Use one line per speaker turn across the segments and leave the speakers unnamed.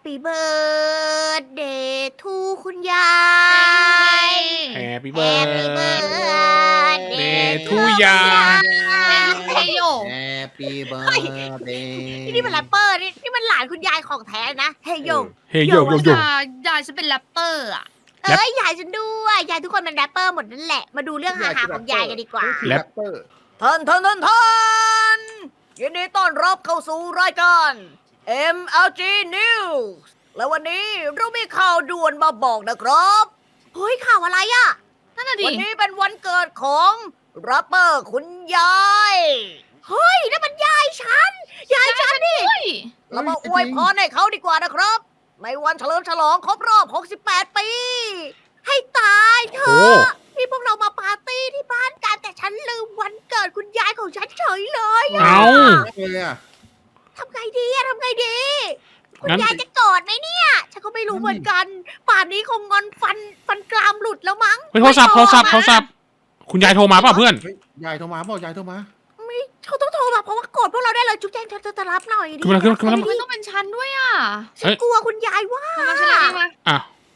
Happy birthday to คุณยาย
Happy
Happy
birthday
birthday
to
ยาย
เฮโย
Happy birthday
นี่มันแรปเปอร์นี่มันหลานคุณยายของแท้นะเฮโย
เฮ้ยโยโยโย
ยายฉันเป็นแรปเปอร์อ่ะ
เอ้ยยายฉันด้วยยายทุกคนเป็นแรปเปอร์หมดนั่นแหละ มาดูเรื่องฮาๆของยายกันดีกว่า
แรปเปอร์
ท่านยินดีต้อนรับเข้าสู่รายการ MLG News แล้ววันนี้เรามีข่าวด่วนมาบอกนะครับเฮ้ยข่าวอะไรอะ
นั่นน่ะดิ
วันนี้เป็นวันเกิดของแรปเปอร์คุณยายเฮ้ยนั่นมันยายฉันนี่
เฮ้ย
เรามาอวยพรให้เขาดีกว่านะครับในวันเฉลิมฉลองครบรอบ 68 ปี ให้ตายเถ
โอ้
อะนี่พวกเรามาปาร์ตี้ที่บ้านกันแต่ฉันลืมวันเกิดคุณยายของฉันเฉยเลยอะ
เอา
เลยอ่ะ
ทำไงดีอะทำไงดี คุณ
งั้น
ยายจะโกรธไหมเนี่ย ฉันก็ไม่รู้เหมือนกัน ป่านนี้คงงอนฟันกรามหลุดแล้วมั้ง
เฮ้ยโทรศัพท์คุณยายโทรมาเปล่ะเพื่อน
เฮ้ยยายโทรมาเปล่ายายโทรมา
ไม่เขาต้องโทรมาเพราะว่าโกรธพวกเราได้เลยจุ๊บแจงเธอจะรับหน่อยดิ
ขึ้นมาขึ้นมา
มันต้องเป็นฉันด้วยอ่ะ
ฉันกลัวคุณยายว่า
มาฉันรับเองมา
อ่ะ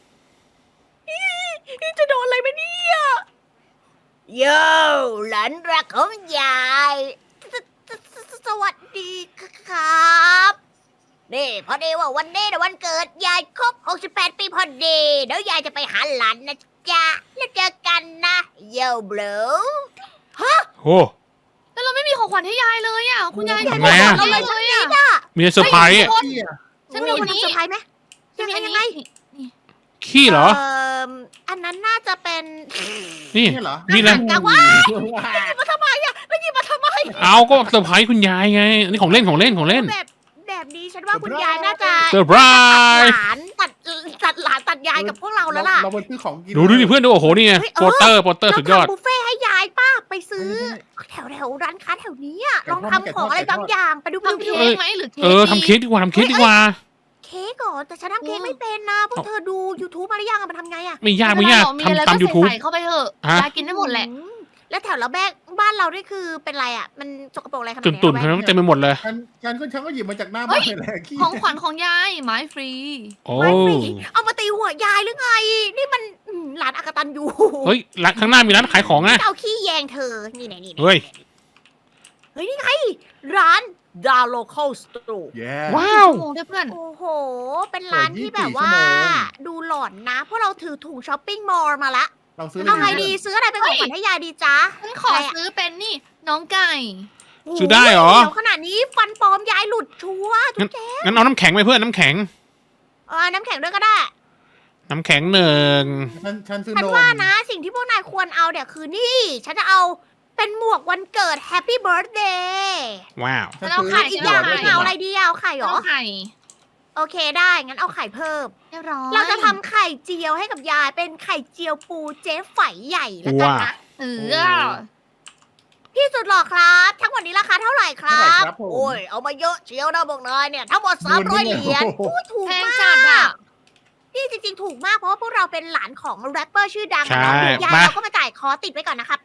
จะโดนอะไรไหมเนี่ยโย่หลานรักของยายสวัสดีครับนี่พอดีว่าวันนี้นะวันเกิดยายครบ 68 ปีพอดีเดี๋ยวยายจะไปหาหลานนะจ๊ะแล้วเจอกันนะโย่บลู
โอ้
แต่เราไม่มีของขวัญให้ยายเลยอ่ะ คุณยาย
ทำไงอะ
เราเลยอ่ะ
มีเซอร์ไพรส์อะ
พี่อ่ะ
ฉันมี
มี
อัน
คน
นี้
เซอร์ไพรส์ไหมยังไงยังไง
ขี้เหรอ
อันนั้นน่าจะเป็น
นี่
นี่เหรอ
มีอะไร
กะว่าหยิบมาทำไมอะไม่หยิบมาทำไม
เอาก็เซอร์ไพรส์คุณยายไงอันนี้ของเล่นของเล่นของเล่น
แบบนี้ฉันว่าคุณยายน่าจะ
เซอร์ไพร
ตัด
ส์
หลานตัดหลานตัดยายกับพวกเราแล้วล่ะ
เราไปซื้อของกิน
ดูดิเพื่อนดูโอ้โหนี่ไง
เฮ้ย
โปสเตอร์สุดยอด
เราทำบุฟเฟ่ให้ยายป้าไปซื้อแถวร้านค้าแถวนี้อะลองทำของอะไรบางอย่างไปดู
ทำเค้กไหมหรือเค้ก
ทำเค้กดีกว่าทำเค้กดีกว่า
เค้กก่อนแต่ฉันทำเค้กไม่เป็นนะพวกเธอดู YouTube มาหรือยังอะมันทำไงอะ
ไม่ยาก
มีอะไร
ทำตาม
ก็
YouTube
ใส่เข้าไปเถอะ
ฮะ
ยายกินได้หมดแหละ
แล้วแถวละแบกบ้านเรานี่คือเป็นไรอะมันสกปรกอะไรขนาด
ตุ่
นี้
นตุ่นๆเขาเต็มไปหมดเลย
ฉันก็หยิบมาจากหน้าบ้านเลยแหละขี้
ของขวัญของยายไม้ฟรี
โอ้
ไม่ฟรีเอามาตีหัวยายหรือไง นี่มันหลานอากตันอยู่
เฮ้ยร้านข้างหน้ามีร้านขายของนะ
เอาขี้แยงเธอ นี่ไหนนี่
เฮ้ย
เฮ้ยนี่ไง ร้าน The Local Store
แย่
ว้าว
โอ้ได้เพื่อน
โอ้โห เป็นร้านที่แบบว่า
เปิด24 ชั่วโมง
ดูหลอนนะ เพราะเราถือถุงช้อปปิ้งมอลล์มาละ
เราซื้อ
เอาไงดีซื้ออะไรเป็นของขวัญให้ยายดีจ๊ะ
ฉันขอซื้อเป็นนี่น้องไก่
ซื้อได้เหรอ
เดี๋ยวขนาดนี้ฟันปลอมยายหลุดชัวร์ทุกแก
งั้นเอาน้ำแข็งไปเพื่อนน้ำแข็ง
น้ำแข็งด้วยก็ได้
น้ำแข็งหนึ่ง
ฉันซื้อ
ฉัน
นม
ว่านะสิ่งที่พวกนายควรเอาเนี่ยคือนี่ ฉันจะเอาเป็นหมวกวันเกิด Happy Birthday
ว้าว
ฉัน
แล้ว
ซื้
ไข่
อีกอย่างหนึงเอาอะไรดีเอาไข่เหร
น้
อ
องไข่
โอเคได้งั้นเอาไข่เพิ่ม
เรียบร้อย
เราจะทำไข่เจียวให้กับยายเป็นไข่เจียวปูเจ๊ไฝใหญ่แล้วกันนะ
เออ
พี่สุดหล่อครับ ทั้งหมดนี้ราคาเท่าไหร่ครั
เท่าไหร่
บ
ครับผม
โอ้ยเอามาเยอะเชียวนะบอกนายเนี่ยทั้งหมด300 เหรียญ
โอ้โห
โอ้ยถูก
แพง
มา
จัดอ่ะ
กนี่จริงๆถูกมากเพราะว่าพวกเราเป็นหลานของแรปเปอร์ชื่อดัง
ใช่
นะเดี๋ยวยาย
มา
เราก็มาจ่ายคอติดไว้ก่อนนะครับ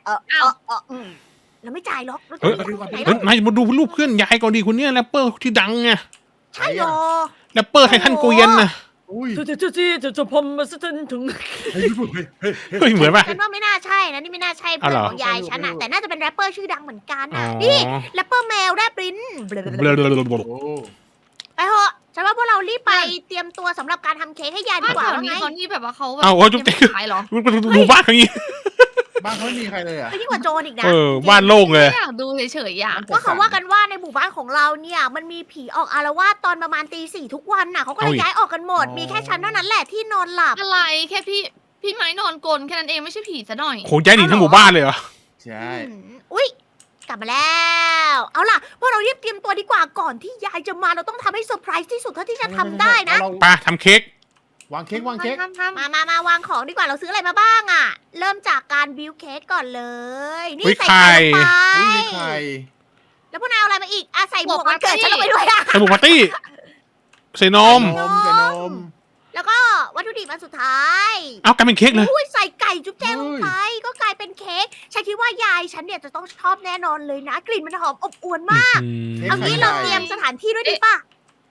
เราไม่จ่ายหรอกเรา
เฮ้ย
จ่ายที่ไหน
เฮ้ย
แล้ว
นายมาดูรูปเพื่อนยายก่อนดีคนเนี้ยแรปเปอร์ที่ดังไง
ใช่หรอ
แรปเปอร์ไททันเกวียนนะ
อุ้ย
จะผมมาถึง
เฮ้ยเฮ้ยเฮ้ย
เฮ้ยเหมือนป่ะ
ฉันว่าไม่น่าใช่นะนี่ไม่น่าใช่เพื่อน
เอาเหรอ
ของยายฉันอะแต่น่าจะเป็นแรปเปอร์ชื่อดังเหมือนกัน
อ๋อ
อะนี่แรปเปอร์แมวแรปลิ้น
เบลอ
โอ้
ไปเถอะฉันว่าพวกเรารีบไปเตรียมตัวสำหรับการทำเค้กให้ยายดี
บ้าน
กว่า
แถว
ว่า
นี้
ไง
เขานี่แบบว่าเขาแบบ
เอาเอาจุ๊บจิ๊ก
ขายเหรอ
ดูบ้านเขาอย่างงี้
บ้านเขาไม่มีใครเลยอ่ะ
ไม่ยิ่งกว่าโจรอีกนะ
บ้านโล่งเลย
ไม่อยากดูเฉยๆอ่ะ
ก็เขาว่ากันว่าในหมู่บ้านของเราเนี่ยมันมีผีออกอารวาสตอนประมาณตี 4ทุกวันน่ะเขาก็เลย
เอาอีก
ย้ายออกกันหมด มีแค่ฉันเท่านั้นแหละที่นอนหลับ
อะไรแค่พี่ไม้นอนกลนแค่นั้นเองไม่ใช่ผีซะหน่อย
โหย้ายหนีทั้งหมู่บ้านเลยเหรอ
ใช่
อุ๊ยกลับมาแล้ว เอาล่ะพวกเรารีบเตรียมตัวดีกว่าก่อนที่ยายจะมาเราต้องทำให้เซอร์ไพรส์ที่สุดเท่าที่จะทำได้นะ
ไปทำเค้ก
วางเค้กวางเค้ก
ทำ
มาวางของดีกว่าเราซื้ออะไรมาบ้างอะเริ่มจากการบิวเค้กก่อนเลย นี่
อุ๊ย
ใส่ไข่ลงไป
อุ้ยมีไข่
แล้วพวกนายเอาอะไรมาอีกใส่หมวกวันเกิดฉันลงไปด้วยอะ
ใส่หมูปาร์ตี้ใส่นม
ใส่นม
แล้วก็วัตถุดิบอันสุดท้าย
เอากลายเป็นเค้กเลย
อุ้ยใส่ไก่จุ๊บแจงลงไปก็กลายเป็นเค้กฉันคิดว่ายายฉันเนี่ยจะต้องชอบแน่นอนเลยนะ กลิ่นมันหอมอบอวลมาก เอางี้เราเตรียมสถานที่ด้วยดีป่ะ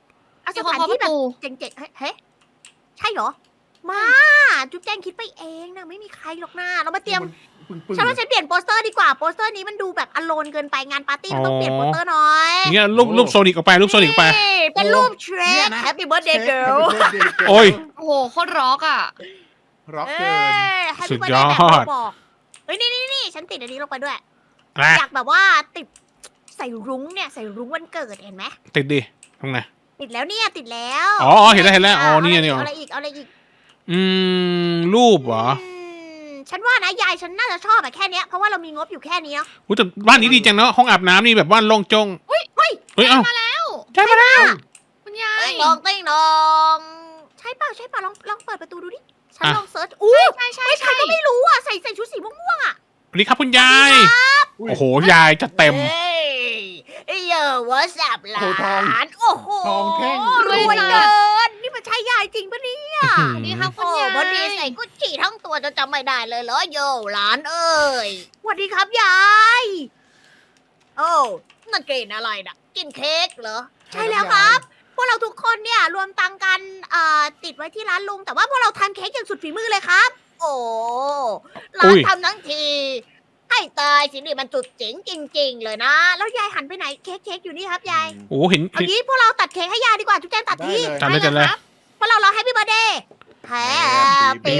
เอาส
มีคน
ถาน
เคาะป
ที่
ระ
แบบ
ตู
เจ๋งๆเฮ้ยใช่เหรอ มาจุ๊บแจงคิดไปเองนะไม่มีใครหรอกนะเรามาเตรียม
ปึ้ง
ฉันว่าฉันเปลี่ยนโปสเตอร์ดีกว่าโปสเตอร์นี้มันดูแบบอโลนเกินไปงานปาร์ตี้มันต้องเปลี่ยนโปสเตอร์หน่อย
อย่างเงี้ยรูปโซนิกออกไปรูปโซนิกออกไป
นี่เป็นรูปเทรคแฮปปี้เบิร์ดเดย์เกิร์ล
โอ้ย
โอ้โหโคตรร็อกอ่ะ
ร็อก
เอ้
เกิน
แฮป
สุ
ปี้
ด
เบิร์ด
ย
เด
อ
ย์
ด
แบบบอกเฮ้ยนี่ฉันติดอันนี้ลงไปด้วย
นะ
อยากแบบว่าติดใส่รุ้งเนี่ยใส่รุ้งวันเกิดเห็นไหม
ติดดิตรงไหน
ติดแล้วเนี่ยติดแล้ว
อ๋อเห็นแล้วอ๋อนี่ไงนี่
เอาอะไรอีกเอาอะไรอีก
รูปเหรอ
ฉันว่านะยายฉันน่าจะชอบแบบแค่เนี้ยเพราะว่าเรามีงบอยู่แค่นี้เนาะ
อุ๊ยแต่บ้านนี้ดีจังเนาะห้องอาบน้ำนี่แบบบ้านโล่งจง
เฮ้ย
เฮ้ยเอ้า
มาแล้ว
ใช่ไหมล่ะ
คุณยาย
ติ้งนองติ้งนองใช่เปล่าลองเปิดประตูดูดิฉันลองเซิร์ชอู้
ใช่ใช่
ไม่ใช่
ใช่
ก็ไม่รู้อ่ะใส่ชุดสีม่วง
สวัสดีครับคุณยาย
อุ้ย
โอ้โห ยายจะเต็ม
เฮ้ยเยอะวะสับหล
โอ้ทอง
านโอ้โห
ทองแท่ง
รวยเกินนี่มันใช่ยายจริงปะเนี่ย
สวัสดีครับคุ
โอ้
ณยาย
วันนี้ใส่กุชชี่ทั้งตัวจะจำไม่ได้เลยเหรอโยหลานเอ้ยสวัสดีครับยายโอ้นั่นกินอะไรนะกินเค้กเหรอ ใช่แล้วครับ พวกเราทุกคนเนี่ยรวมตังค์กันติดไว้ที่ร้านลุง แต่ว่าพวกเราทำเค้กอย่างสุดฝีมือเลยครับ โอ้ร้านทำทั้งทีให้ตายสินี่มันจุดเจ๋งจริง ๆ เลยนะ แล้วยายหันไปไหนเค้กอยู่นี่ครับยาย
โอ้โหเห็น
เอางี้พวกเราตัดเค้กให้ยายดีกว่าจุ๊บแจงตัด
ได้
ที่
เลย
จัดเลยจัดเลย
พวกเราร้อง Happy Birthday
Happy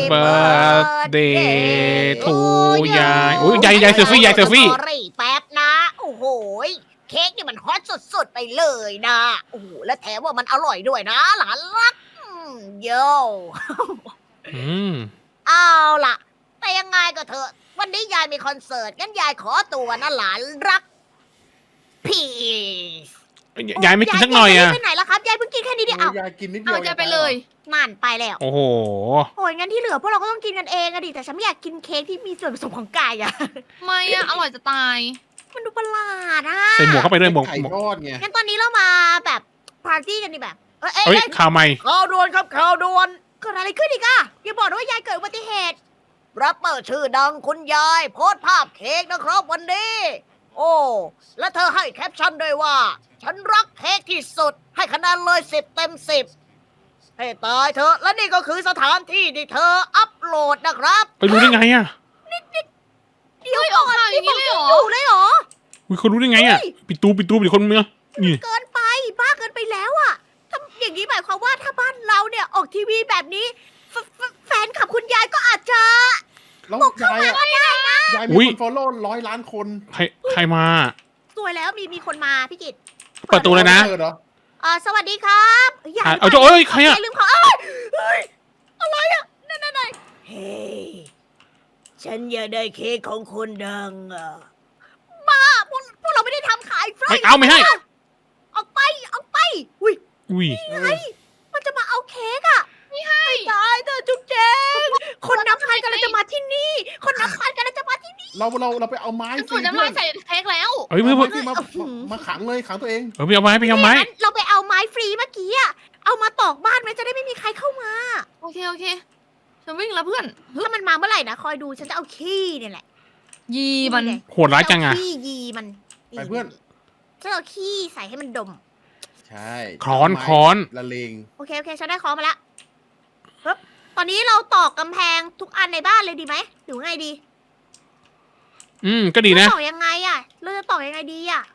birthday to ยายโอ้ยยายเซลฟี่ยายเซลฟี่
แป๊บนะ โอ้โหยเค้กนี่มันฮอตสุดๆไปเลยนะ โอ้โหและแถมว่ามันอร่อยด้วยนะ หลานรักโย่
อืม
เอาล่ะ แต่ยังไงก็เถอะ วันนี้ยายมีคอนเสิร์ตงั้นยายขอตัวนะหลานรักพีซ
ยายไม่กินสักหน่อย
ยา
อ่ะ
ไปไหนแล้วครับยายเพิ่งกินแค่นี้เดียว
โอ้
เอา
ยายกินนิดเดี
เอา
ยว
ยายไปเลย
นั่นไปแล้ว
โอ้โห
โอ้ยงั้นที่เหลือพวกเราก็ต้องกินกันเองอะดิแต่ฉันไม่อยากกินเค้กที่มีส่วนผสมของไก่อะ
ไม่อะอร่อยจะตาย
มันดูประหลาดอะ
ใส่หมวกเข้าไปด้วยหมวก
ไข่ทอดไง
งั้นตอนนี้เรามาแบบปาร์ตี้กันดีแบบเอ้ย
เฮ้ยข่าวใหม่
ข่าวด่วนครับข่าวด่วนเกิดอะไรขึ้นอีกอะอย่าบอกนะว่ายายเกิดอุบัติเหตุรับเปิดชื่อดังคุณยายโพสต์ภาพเค้กนะครับวันนี้ โอ้และเธอให้แคปชั่นด้วยว่า ฉันรักเค้กที่สุดให้คะแนนเลย10 เต็ม 10ให้ตายเถอะและนี่ก็คือสถานที่ที่เธออัปโหลดนะครับ
ไปรู้ได้ไงอ่ะ
เดี๋ยว
เฮ้ย
ก่อน
ออกข่าวอย่างนี้เลยเหรอ
อยู่เลยเหรอ
อุ้ยเขารู้ได้ไงอ่ะ ปิดตูปิดคนเมืองนี่
เกินไปบ้าเกินไปแล้วอะถ้าอย่างนี้หมายความว่าถ้าบ้านเราเนี่ยออกทีวีแบบนี้แฟนขับคุณยายก็อาจจะ
แล้ว
บุกเข้าย
าย
มา
อะ
ก็ได้นะ
ยาย
อุ๊
มี
ย
คนฟอลโล่100 ล้านคน
ใครมา
สวยแล้วมีคนมาพี่กิต
เปิดตัวเลยนะ
เปิดเหรอ
สวัสดีครับยาย
เอาเจ้าเอ้ยใครอะ
ลืมเขาเฮ้ยอะไรอะนั่นเฮ้ยฉันอยากได้เค้กของคนดังอะบ้าพวกเราไม่ได้ทำขายฟรี
ไม่เอาไม่ให้
ออกไปอุ้ย
อุ้ย
มันจะมาเอาเค้กอะไม่ให้ได้เธอจุ๊บเจงคนนับพันกำลังจะมาที่นี่ คนนับพันกำลังจะมาที่นี่
เราไปเอาไม้
จะ
สิ
สูดน้ำลายใส่เค้กแล้ว
เอ้ยเพื่อน
ที่มาขังเลยขังตัวเอง
ไปเอาไม้ไปเอาไม้
งั้นเราไปเอาไม้ฟรีเมื่อกี้อะเอามาตอกบ้านไว้จะได้ไม่มีใครเข้ามา
โอเคฉันวิ่งแล้วเพื่อน
ถ้ามันมาเมื่อไหร่นะคอยดูฉันจะเอาขี้เนี่ยแหละ
ยีมัน
โหดร้ายจังอ่ะ
ฉันเาขี้ยีมัน
ไปเพื่อน
ฉันเอาขี้ใส่ให้มันดม
ใช่
ค้อน
ไม้
ค้อน
ละเลง
โอเคฉันได้ของมาแล้วปึ๊บตอนนี้เราตอกกำแพงทุกอันในบ้านเลยดีไหมหรือไงดี
ก็ดีนะ
เราตอกยังไงอะเราจะตอกยังไงดีอะ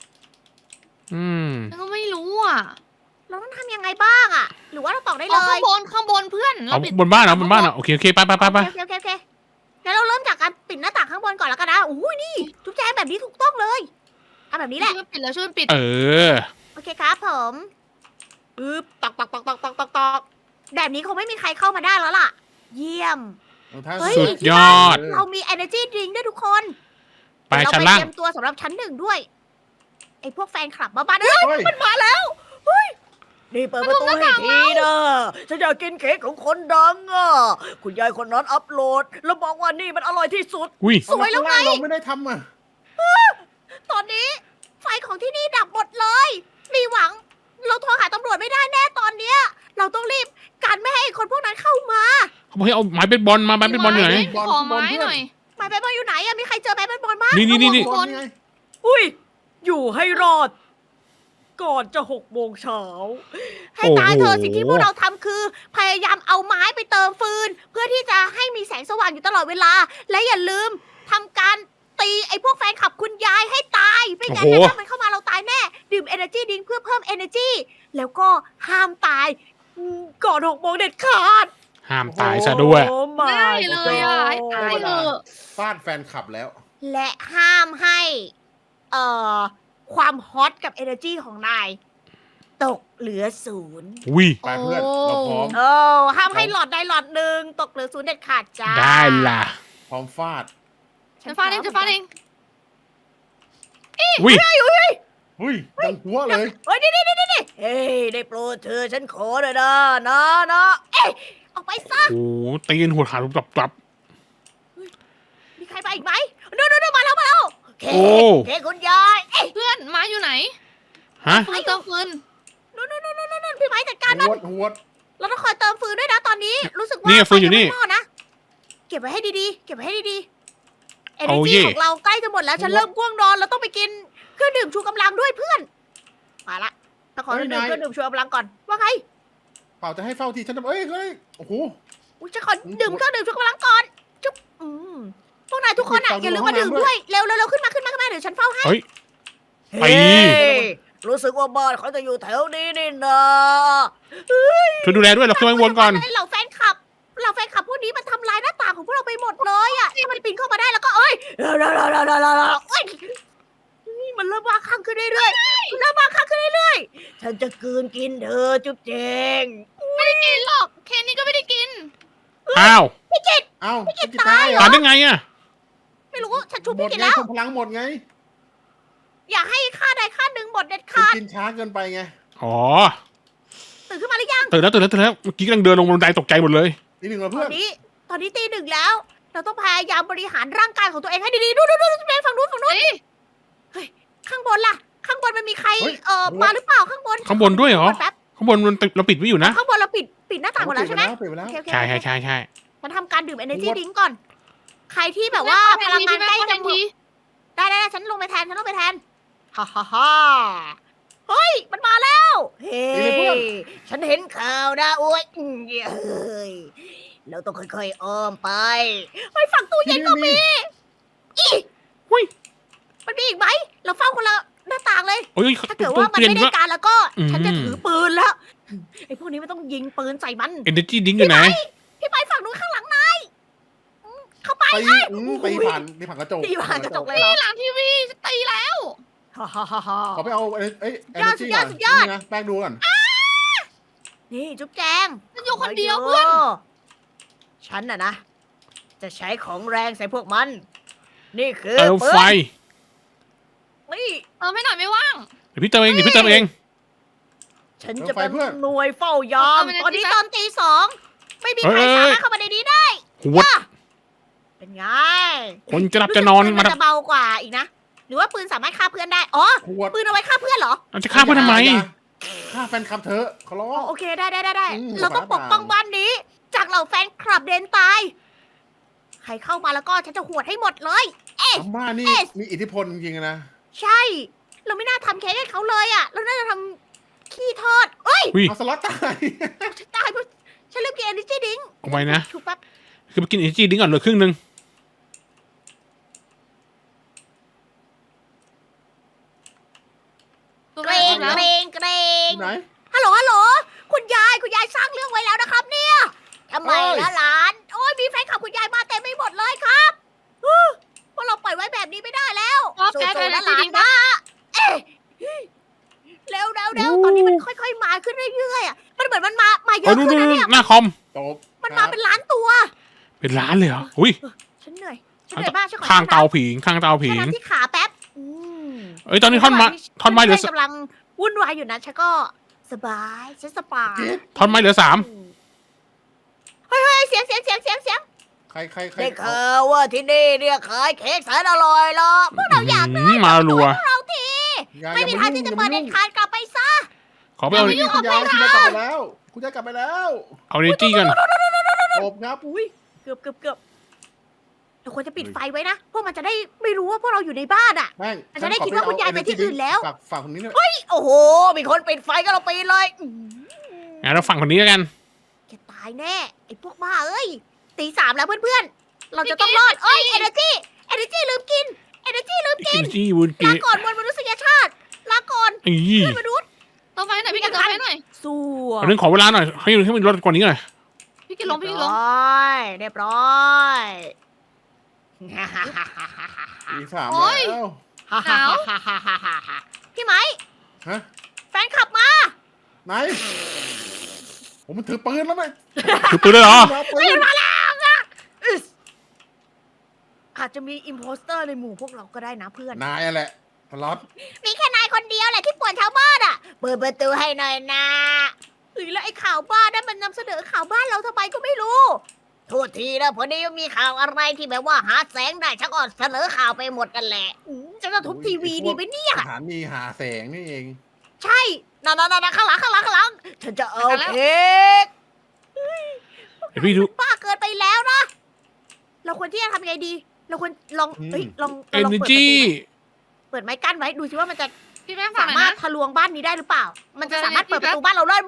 ฉันก็ไม่รู้อ่ะ
เราต้องทำยังไงบ้างอะหรือว่าเราตอกได้เล
เอาข้าย งบนเพื่อน
เอาบนบ้านเหรอบนบ้านเหรอโอเคไป
โอเคงั้นเราเริ่มจากการปิดหน้าต่างข้างบนก่อนแล้วกันนะอุ้ยนี่ทุกแจงแบบนี้ถูกต้องเลยเอาแบบนี้แหละ
ช่วยปิดแล้วช่วยปิด
เออ
โอเคครับผมปึ๊บตอกแบบนี้คงไม่มีใครเข้ามาได้แล้วล่ะ เยี่ยม
ถ้า
เฮ้ย
สุดยอด
เรามี energy drink ด้วยทุกคน
ไป
เดี๋ยว
ชั้น
เรา
ล่าง
เตรียมตัวสำหรับชั้นหนึ่งด้วย ไอ้พวกแฟนคลับบ้าๆเฮ้ย
เฮ้ย
มันมาแล้วเฮ้ยนี่เปิดประตูให้ทีนะฉันอยากกินเค้กของคนดังอ่ะคุณยายคนนั้นอัพโหลด แล้วบอกว่านี่มันอร่อยที่สุด
อุ้ย
สวยแล้วไง
เราไม่ได้ทำอ่ะ
ตอนนี้ไฟของที่นี่ดับหมดเลย มีหวัง เราโทรหาตำรวจไม่ได้แน่ตอนเนี้ย เราต้องรีบกันไม่ให้ไอ้คนพวกนั้นเข้ามา
เขาบอกให้เอาไม้เบสบอลมาไม้เบสบอลอยู่ไหน
ขอไม้หน่อย
ไม้เบสบอลอยู่ไหนอะมีใครเจอไม้เบสบอลบ้าง
นี่
บอลไง
อุ้ย อยู่ให้รอดก่อนจะ6 โมงเช้าให้ตายเธอะสิ่งที่พวกเราทำคือ พยายามเอาไม้ไปเติมฟืน เพื่อที่จะให้มีแสงสว่างอยู่ตลอดเวลา และอย่าลืมทำการตีไอ้พวกแฟนคลับคุณยายให้ตายไม่งั้นเนี่ยถ้ามันเข้ามาเราตายแน่ดื่ม Energy Drink เพื่อเพิ่ม Energy แล้วก็ห้ามตายก่อน6 โมงเด็ดขาด
ห้ามตายซะด้วย
โอ้ my
ได้เลยอ่ะให้ตายเถอะ
ฟาดแฟนคลับแล้ว
และห้ามให้เอ่อความฮอตกับ energy ของนาย ตกเหลือ0
วิ
ไปเพื่อนเราพร้อม
โอ้ห้ามให้หลอดใดหลอดหนึ่งตกเหลือ0เด็ดขาดจ้า
ได้ล่ะ
พร้อมฟาด
ฉันฟาดเองฉันฟาดเอง
วิ
หุ้ยดังหัวเลย
เฮ้ยนี่เฮ้ยได้โปรดเธอฉันขอเลยนะเอ้ยออกไปซะ
โอ้โหตีนหัวขาดกลับ
มีใครมาอีกไหมนู่นมาแล้วเค
โอ้
เคคุณยายเอ้ย
เพื่อนไม้อยู่ไหน
ฮะ
ฟืนเติมฟืน
นู่นพี่ไม้จัดการมัน
หัวด
เราต้องคอยเติมฟืนด้วยนะตอนนี้รู้สึกว่า
นี่ฟืนอยู่นี่
ไฟยังไม่พนะเก็บไว้ให้ดีๆเก็บไว้ให้ดีๆ
เอา
energy
เย่ ของ
เราใกล้จะหมดแล้วฉันเริ่มง่วงนอนเราต้องไปกินเครื่องดื่มชูกำลังด้วยเพื่อนมาละถ้าขอดื่มเครื่องดื่มชูกำลังก่อนว่าไง
เปล่าจะให้เฝ้าทีฉันจะเฮ้ยโอ้โห
อุ๊ยฉันขอดื่มเครื่องดื่มชูกำลังก่อนจุ๊บพวกนายทุกคนอ่ะอย่าลืมมาดื่มด้วยเร็วขึ้นมาเดี๋ยวฉันเฝ้าให้
เฮ้ย ไป
เฮ้ยรู้สึกว่าบ้านเขาจะอยู่แถวนี้นี่นะ
ช่วยดูแลด้วยเราขึ้นไปวนก่อน
เหล่าแฟนคลับพวกนี้มันทำลายหน้าต่างของพวกเราไปหมดเลยอ่ะถ้ามันปีนเข้ามาได้แล้วก็เอ้ยเอ้ยนี่มันเริ่มบ้าคลั่งขึ้นเรื่อยๆฉันจะกลืนกินเธอจุ๊บเจง
ไม่ได้กินหรอกเคนนี่ก็ไม่ได้กิน
อ้าว
เอ้า
พี่กิต
พี่
ตายเหรอ
ตายได้ไงอ่ะ
ไม่รู้ฉันชุบ
หม
พี่
ด
กิน
ไง
แล้ว
ทงพลังหมดไง
อย่าให้ค่าใดค่าหนึ่งหมดเด็ด
คุณ
ขาด
กินช้าเกินไปไง
อ๋อ
ตื่นขึ้นมาหรือยัง
ตื่นแล้วเมื่อกี้กำลังเดินลงบันไดตกใจหมดเลย
นี่หนึ่งแล้ว
ต
เพื่
อ
อน
นนี้ตี 1แล้ว เราต้องพยายามบริหารร่างกายของตัวเองให้ดีๆดูเป็นฝั่งนู้นข้างบนล่ะ ข้างบนมันมีใครมาหรือเปล่าข้างบน
ข้างบนด้วยเหรอ
แป๊บ
ข้างบนเราปิดไว้อยู่นะ
ข้างบนเราปิดหน้าต่างหมดแล้วใช่ไหม
ปิดไปแล้ว
โอเค
ใช่
ฉันทำการดื่ม energy drink ก่อน ใครที่แบบว่าพลังงานใกล้จะหมดได้ฉันลงไปแทนฮ่าเฮ้ยมันมาแล้วเฮ้ยฉันเห็นข่าวนะโอ้ยเฮ้ยเราต้องค่อยๆอ้อมไปไปฝั่งตู้เย็นก็มีหุ้ยมันมีอีกไหมเราเฝ้าคนละหน้าต่างเลย
โอ้ย
ถ้าเกิดว่ามัน
เปลี่ยน
ไม่ได้
ว่า
การแล้วก็
อืม
ฉันจะถือปืนแล้วไอ้พวกนี้มันต้องยิงปืนใส่มัน
Energy Drink อยู่ไหน
พี่ไปฝั่งนู้นข้างหลังนายเข้าไป
ไปผ่านกระจก
ตีผ่านกระจกเลย
นี่หลังทีวีจะตีแล้ว
ฮ่าฮ่าฮ่าฮ่า
เขาไปเอา
สุดยอด
นี่นะแป้งดูก่อน
นี่จุ๊บแจง
ฉันอยู่คนเดียวเพื่อน
ฉันน่ะนะ จะใช้ของแรงใส่พวกมัน นี่คือ
เติมไฟ
นี่
เติมให้หน่อยไม่ว่าง
เดี๋ยวพี่เติมเอง
ฉันจะเป็นหน่วยเฝ้ายาม
เอาไปเลย
ตอนนี้
สิคะ
ตอนตี 2ไม่มีใคร
เอ้ย
สามารถเข้ามาในนี้ได้
หัวด
เป็นไง
คนจะหลับจะนอน
รู้สึกปื
มา
จะเบากว่าอีกนะ หรือว่าปืนสามารถฆ่าเพื่อนได้ อ๋อ
ขวด
ปืนเอาไว้ฆ่าเพื่อนเหรอ
เราจะฆ่าเพื่อนทำไม
ฆ่าแฟนคลับเธอขอร้อ
อ๋อง โอเคได้
อืม
เราต้องปกป้องบ้านนี้ จากเหล่าแฟนคลับเดนตาย ใครเข้ามาแล้วก็ฉันจะหวดให้หมดเลย
อาม่านี่มีอิทธิพลจริงๆนะ
ใช่ เราไม่น่าทำเค้กให้เขาเลยอ่ะ เราน่าจะทำขี้ทอด เอ้ย
อุ้ย
เอาสล็อตตาย
ฉันตายเพราะฉันลืมกิน energy drink
เอาไว้นะ
ชุบแป๊บ
คือไปกิน Energy Drink ก่อนเหลือครึ่งนึง
ตัว
เก
แร
ร
ก
ง
แล้ว
เกรง
ไหน
ฮัลโหล คุณยายสร้างเรื่องไว้แล้วนะครับเนี่ยทำไมล่ะหลาน โอ้ยมีแฟนคลับคุณยายมาเต็มไปหมดเลยครับพวกเราปล่อยไว้แบบนี้ไม่ได้แล้ว
ครับ
สู้
แก
ๆนะห
จ
ลา
ริ
น
งๆ
นะเอ๊ะเร็วตอนนี้มันค่อยๆมาขึ้นเรื่อยๆอ่ะมันเหมือนมันมาเย
เออ
อะ
นู่น
ขึ้นนะเนี่ย
หน้าคอม
จบ
มันมาเป็นล้านตัว
เป็นร้านเลยเหรอ อุ้ย
ฉันเหนื่อยมากฉันขอ
ข้างเตา
น้ำ
ผิง ข้างเตาผิ
แค่
ง
น้ำที่ขาแป๊บ
เอ้ย ตอนนี้ท่อนไม้เหลือ
กำลังวุ่นวายอยู่นะฉันก็สบายฉันสบาย
ท่อนไม้เหลือ
เฮ้ยเสียง
ใคร
ได้ข่าวว่าที่นี่เนี่ยขายเค้กแสนอร่อยละพวกเราอยาก
มารัว
เราทีไม่มีทางที่จะเปิดเด็ดขาดกลับไปซะ
ขอไปเอา
คุณยายกลับไปแล้วคุณยายกลับไปแล้ว
เอา Energy กัน
จบครับ
อุ้ยเกือบเราควรจะปิดไฟไว้นะ พวกมันจะได้ไม่รู้ว่าพวกเราอยู่ในบ้านอ่ะ
แม่ง
มันจะได้คิดว่าคุณยายไปที่อื่นแล้ว
ฝากคนนี้ด้วย
โอ้โห มีคนปิดไฟก็เราปีนเลย
งั้นเราฝั่งคนนี้แล้วกัน
แกตายแน่ ไอ้พวกบ้าเอ้ย ตี 3แล้วเพื่อนๆ เราจะต้องรอด เอ้ย Energy ลืมกิน Energy ลืมกิ
กิ
น
นจี้วุน
ลา
กี
ก่อนมวลมนุษยชาติ ลาก่อน
อี
เพื่อนมนุษย์
เติมไฟหน่อยพี่กินเติมไฟหน่อย
สู้
เรื่องขอเวลาหน่อยให้มันลดกว่านี้หน่อย
พี่กินลงพี่กินลง
เรียบร้อย
ตีสาม
โอ้ย
แล้ว
หนาว
พี่ไหม
ฮะ
แฟนขับมา
ไหนผมมันถือปืนแล้วไหม
คือปืนเลยเหรอ
เอาปืน
มาแล้วอะอึ๊สอาจจะมีอิมโพสเตอร์ในหมู่พวกเราก็ได้นะเพื่อน
นายอะแหละพลอต
มีแค่นายคนเดียวแหละที่ป่วนชาวบ้านอ่ะ เปิดประตูให้หน่อยนะแล้วไอ้ข่าวบ้านนั่นมันนำเสนอข่าวบ้านเราทำไมก็ไม่รู้ โทษทีนะพอดีมีข่าวอะไรที่แบบว่าหาแสงได้ฉันก็เสนอข่าวไปหมดกันแหละฉันจะทุบทีวีดีไหมเนี่ย
สถานีหาแสงนี่เอง
ใช่นั่นข้างหลังฉันจะเอาเค้ก
เดี๋ยวพี่ดู
บ้าเกินไปแล้วนะ เราควรที่จะทำยังไงดี เราควรลองลอง
เอเน
เปิดประ
จี
ตูเปิดไม้กั้นไว้ดูสิว่ามันจะ
พี่แม่ฟัง
สา
หน่อย
มารถ
นะ
ทะลวงบ้านนี้ได้หรือเปล่า มันจะ
โอเค
สามารถเปิด
พี่
ประตูบ้านเราได้โบ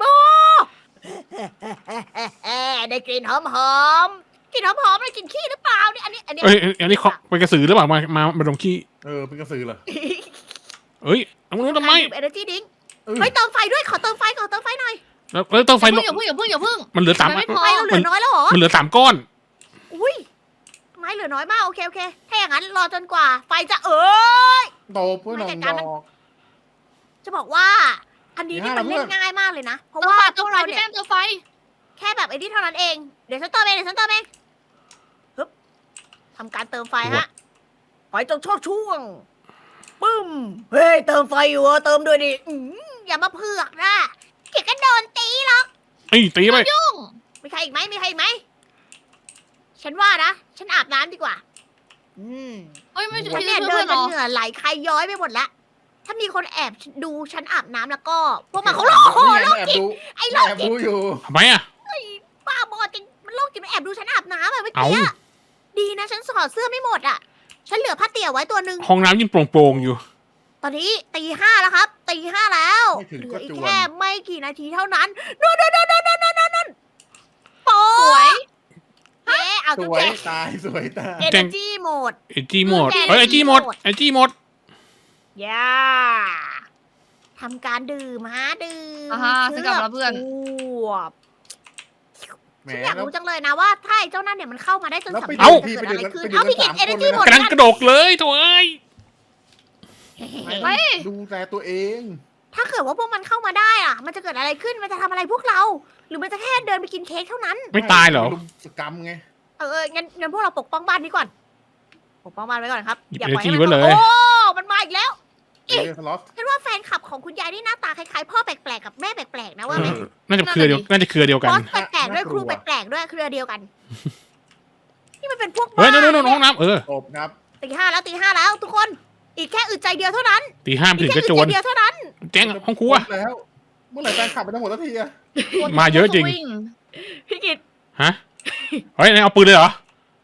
ได้กลิ่นหอมๆกลิ่นหอมๆได้กลิ่นขี้หรือเปล่าเนี่ยอันนี้
เอ้ยอันนี้เขาเป็นกระสือหรือเปล่ามาดมขี้
เป็นกระสือเหรอ
เอ้ยเอามันทำไม
เอเนจีดิ้ง
เออ
เฮ้ยเติมไฟด้วยขอเติมไฟหน่อย
แล้วต้องไฟ
อย่าเพิ่ง
มันเหลือสาม
ไม่พอ
ไฟเราเหลือน้อยแล้วเหรอ
มันเหลือ3 ก้อน
อุ้ยไม้เหลือน้อยมากโอเคถ้าอย่างนั้นรอจนกว่า ไฟจะย
โตเพื่อน
ไม่
น้
จั
อ
ด
ง
การ
ด
มัน
อก
จะบอกว่า อันนี้นี่มันเล่นง่ายมากเลยนะ เพราะ
เติม
ว่า
ไฟ
พ
เติ
ว
ม
ก
ไฟ
เรา
พี่
เนี่ย
แป้งเติมไฟ
แค่แบบไอ้นี่เท่านั้นเอง เดี๋ยวฉันเติมเองฮึบทำการเติมไฟฮะไฟจงชอบช่วง ปึ้ม เฮ้ย เติมไฟอยู่เหรอเติมด้วยดิอย่ามาเผือกนะเกียกกันโดนตีหรอก
ไอ้ตีไป
ยุ่ง
มีใครอีกไหม ฉันว่านะ ฉันอาบน้ำดีกว่า
เอ้ยไม่
ฉัน
พี่
เนี่ย
เพื่
เดิ
อน นเหร
จน
อ
เหงื่อไหลใครย้อยไปหมดแล้ว ถ้ามีคนแอบดูฉันอาบน้ำแล้วก็ พวกมันเขาโลกโห
นี่
โล
ไง
กจิต ไอ้โลก
แอบ
จิต
ดูอยู่
ทำไมอ่ะ
บ้าบอจริงมันโลกจิตมันแอบดูฉันอาบน้ำอะเมื่อ
เอา
กี้อะดีนะฉันถอดเสื้อไม่หมดอะฉันเหลือผ้าเตี่ยวไว้ตัวหนึ่ง
ห้องน้ำยิ่งโปร่งๆอยู่
ตอนนี้ตี 5แล้วครับตี 5แล้ว
ไม่ถึง
เหลื
ก็
ออี
จ
ก
วน
แค่ไม่กี่นาทีเท่านั้นนู่นโป๊
สวย
เจ๊เอา
ส
จุ๊บ
วย
เจ๊
ตายสวยตาย
เอเนจีโหมด
ไอจีหมดเอ้ยไอจีหมด
ย่าทำการดื่มดื่ม
อ่าฮะซื้อกลับมาแล้วเพื่อน
วบ
แหม
ฉันอยาก
แล้ว
รู้จังเลยนะว่าถ้าไอ้เจ้านั่นเนี่ยมันเข้ามาได้จน
แล้ว
สำ
ไป
เร็จ
ดู
จะเกิดอะไรขึ้น
ไปดู
เอาพี่กิ
กั
น
น
เอเน
3
จีหมด
กำลังกระโดกเลยโถ่เอ้ย
ไป
ดูแลตัวเอง
ถ้าเกิดว่าพวกมันเข้ามาได้อะมันจะเกิดอะไรขึ้นมันจะทำอะไรพวกเรา หรือมันจะแค่เดินไปกินเค้กเท่านั้น
ไม่ตายเหรอ
ลุมสกรรมไง
งั้นพวกเราปกป้องบ้านนี้ก่อน ปกป้องบ้านไว้ก่อนครับ
หยิบ
อย่าปล่อยให้
energy
มัน
ไว้เลย
โอ้ มันมาอีกแล้ว
สล็อต
ฉันว่าแฟนคลับของคุณยายนี่หน้าตาคล้ายๆพ่อแปลกๆกับแม่แปลกๆนะว่าไหม
น่าจะเครือเดียว
บ
กัน
อสแปลกๆด้วยครูแปลกๆด้วยเครือเดียวกัน นี่มันเป็นพวก
เฮ้ย
บ้า
นู่นห้องน้ำ
จบครับ
ตี 5แล้วทุกคน อีกแค่อึดใจเดียวเท่านั้น
ตี 5
อี
ถึ
ก
ง
แค่
กระ
อึด
โจ
ใจ
น
เดียวเท่านั้น
แจ้งห้องครัว
แล้ว เมื่อไหร่แฟนขับไปทั้งหมดสักทีอะ
มาเยอะจริง
วิ่
พี่กิต
ฮะ เฮ้ยนายเอาปืนเลยเหรอ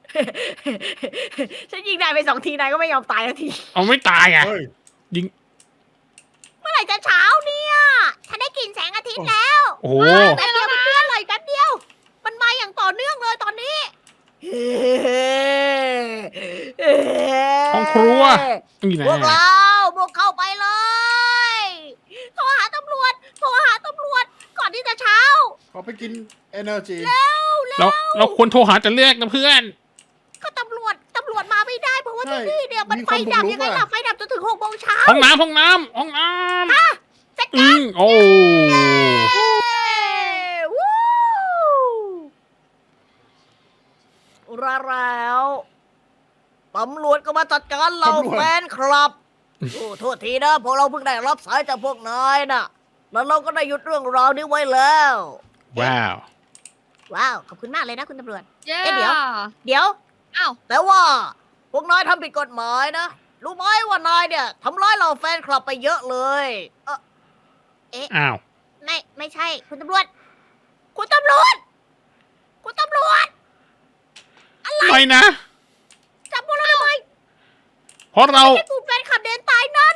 ฉันยิงนายไป2 ทีนายก็ไม่ยอมตายสักที
เอาไม่ตายอ่ะ
เฮ้ย
เมื่อไหร่จะเช้าเนี่ย ฉันได้กลิ่นแสงอาทิตย์แล้ว
โอ้โห
แป๊บเดียวเพื่อนๆเลยแป๊บเดียว มันมาอย่างต่อเนื่องเลยตอนนี้
ห้องครัวนี่นะ
พวกเราพวกเข้าไปเลย โทรหาตำรวจ ก่อนที่จะเช้า
เขาไปกิน energy
เราควรโทรหาแต่แรกนะเพื่อน
ก็ตำรวจมาไม่ได้เพราะว่า
ใช่
ที่นี่เนี่ยมัน
มี
ไฟ
คนบุก
ดับ
รุก
ยังไง
อะ
ล่ะไฟดับจนถึง6 โมงเช้า
ห้องน้ำ
จัดการ
โอ้
วู้แล้วตำรวจก็มาจัดการเรา
ตำรวจ
แฟนคลับ โอ้โทษทีนะพวกเราเพิ่งได้รับสายจากพวกนายน่ะ แล้วเราก็ได้หยุดเรื่องราวนี้ไว้แล้ว
ว้าว
ว้าว ขอบคุณมากเลยนะคุณตำรวจ
เย้
เอ๊ะเดี๋ยว เดี๋ยว
อ้าว
แต่ว่า พวกนายทำผิดกฎหมายนะ รู้ไหมว่านายเนี่ยทำร้ายเราแฟนคลับไปเยอะเลย
อ้าว
ไม่ใช่ คุณตำรวจ คุณตำรวจ
ไม่นะ
จับพวกเราทำไม
เพราะเรา
ไอ้กลุ่มแฟนคลับเดินตายนั่น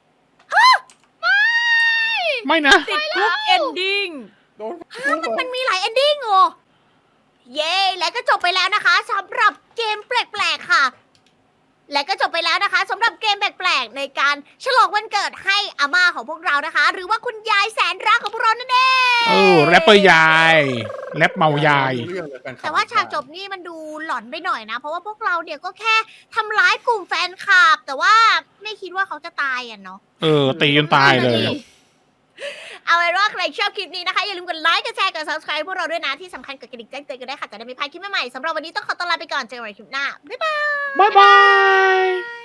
ไม่นะ
ติดคุกเอนดิ้ง
โดน
มันมีหลายเอนดิ้งเหรอ เย้และก็จบไปแล้วนะคะสำหรับเกมแปลกๆค่ะ และก็จบไปแล้วนะคะสำหรับเกมแปลกๆในการฉลองวันเกิดให้อาม่าของพวกเรานะคะ หรือว่าคุณยายแสนรักของพวกเรานั่นเอง
แรปเปอร์ยายแรปเมายาย
เรื่องเลยฟนคลับ
แต่ว่าฉากจบนี่มันดูหลอนไปหน่อยนะ เพราะว่าพวกเราเนี่ยก็แค่ทำร้ายกลุ่มแฟนคลับ แต่ว่าไม่คิดว่าเขาจะตายอ่ะเนาะ
ตีจนตายเลย
เอาไว้ว่าใครชอบคลิปนี้นะคะ อย่าลืมกดไลค์กดแชร์กด subscribe พวกเราด้วยนะ ที่สำคัญกดกระดิ่งแจ้งเตือนกันได้วยค่ะ จะได้ไม่พลาดคลิปใหม่ๆสำหรับวันนี้ต้องขอตัวลาไปก่อนเจอกันใหม่คลิปหน้า บ๊ายบาย
บ๊ายบาย